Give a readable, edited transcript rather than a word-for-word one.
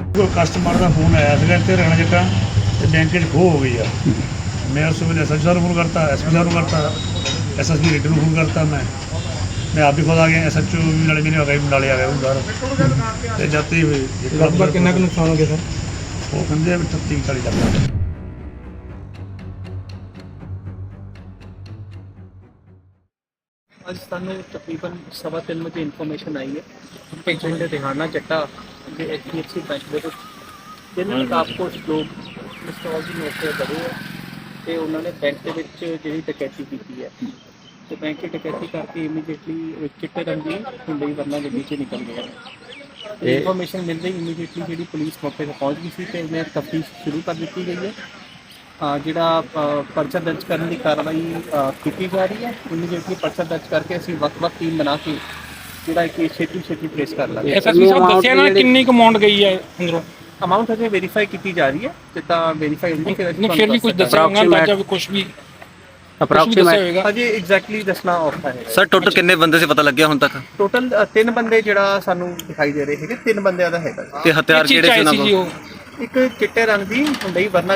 कोई कस्टमर का फोन आया था इतने रहना जगह तो बैंक खो हो गई है। मैं उस वे एस एच साहब फोन करता, एस पी साहब करता, SSB रेडर फोन करता। मैं आप भी खुद आ गया, SHO भी नाले मेरे आ गए, नाले आ गए बाहर तो जाते हुए लगभग कितना कुछ नुकसान हो गया सर? वो कहते 38-40 लाख। ਅੱਜ ਸਾਨੂੰ ਤਕਰੀਬਨ 3:15 ਵਜੇ ਇਨਫੋਰਮੇਸ਼ਨ ਆਈ ਹੈ ਕਿ ਪਿੰਡ ਰਿਹਾਨਾ ਚੱਟਾ ਦੇ HDFC ਬੈਂਕ ਦੇ ਵਿੱਚ ਜਿਹਨਾਂ ਕਾਫੀ ਲੋਕ ਮਿਸਟਰ ਜੀ ਨੋਟ ਕਰੇ ਹੈ ਤੇ ਉਹਨਾਂ ਨੇ ਬੈਂਕ ਦੇ ਵਿੱਚ ਜਿਹੜੀ ਡਕੈਤੀ ਕੀਤੀ ਹੈ ਤੇ ਬੈਂਕ ਦੀ ਡਕੈਤੀ ਕਰਕੇ ਇਮੀਡੀਏਟਲੀ ਚਿੱਟੇ ਰੰਗ ਦੀ ਹੁੰਡਈ ਵਰਨਾ ਗੱਡੀ 'ਚ ਨਿਕਲ ਗਏ ਨੇ। ਇਨਫੋਰਮੇਸ਼ਨ ਮਿਲਦੇ ਇਮੀਡੀਏਟਲੀ ਜਿਹੜੀ ਪੁਲਿਸ ਮੌਕੇ 'ਤੇ ਪਹੁੰਚ ਗਈ ਸੀ ਤੇ ਇਹਨੇ ਤਫਤੀਸ਼ ਸ਼ੁਰੂ ਕਰ ਦਿੱਤੀ ਗਈ ਹੈ। ਜਿਹੜਾ ਪਰਚਾ ਦਰਜ ਕਰਨ ਦੀ ਕਾਰਵਾਈ ਕੀਤੀ ਜਾ ਰਹੀ ਹੈ। ਇਮੀਡੀਏਟਲੀ ਪਰਚਾ ਦਰਜ ਕਰਕੇ ਅਸੀਂ ਵੱਖ-ਵੱਖ ਟੀਮ ਬਣਾ ਕੇ ਜਿਹੜਾ ਕਿ ਛੇਤੀ ਟ੍ਰੇਸ ਕਰ ਲਾਂਗੇ। ਐਸਐਸਪੀ ਸਾਹਿਬ ਦੱਸਿਆ ਨਾ ਕਿੰਨੀ ਕੁ ਅਮਾਉਂਟ ਗਈ ਹੈ ਅੰਦਰੋਂ? ਅਮਾਊਂਟ ਅਜੇ ਵੈਰੀਫਾਈ ਕੀਤੀ ਜਾ ਰਹੀ ਹੈ ਜਿੱਦਾਂ ਵੈਰੀਫਾਈ ਹੁੰਦੀ ਫਿਰ ਵੀ ਕੁਝ ਦੱਸਿਆ ਹੋਗਾ ਅੰਦਾਜ਼ਾ ਵੀ ਕੁਝ ਵੀ ਅਪਰੋਕਸੀਮੇਟ ਅਜੇ ਐਗਜ਼ੈਕਟਲੀ ਦੱਸਣਾ ਔਖਾ ਹੈ। ਸਰ ਟੋਟਲ ਕਿੰਨੇ ਬੰਦੇ ਸੀ ਪਤਾ ਲੱਗਿਆ ਹੁਣ ਤੱਕ? ਟੋਟਲ 3 ਬੰਦੇ ਜਿਹੜਾ ਸਾਨੂੰ ਦਿਖਾਈ ਦੇ ਰਹੇ ਹੈਗੇ, 3 ਬੰਦਿਆਂ ਦਾ ਹੈਗਾ। ਤੇ ਹਥਿਆਰ ਕਿਹੜੇ ਸੀ ਉਹਨਾਂ ਕੋਲ? ਇੱਕ ਚਿੱਟੇ ਰੰਗ ਦੀ ਹੁੰਡਈ ਵਰਨਾ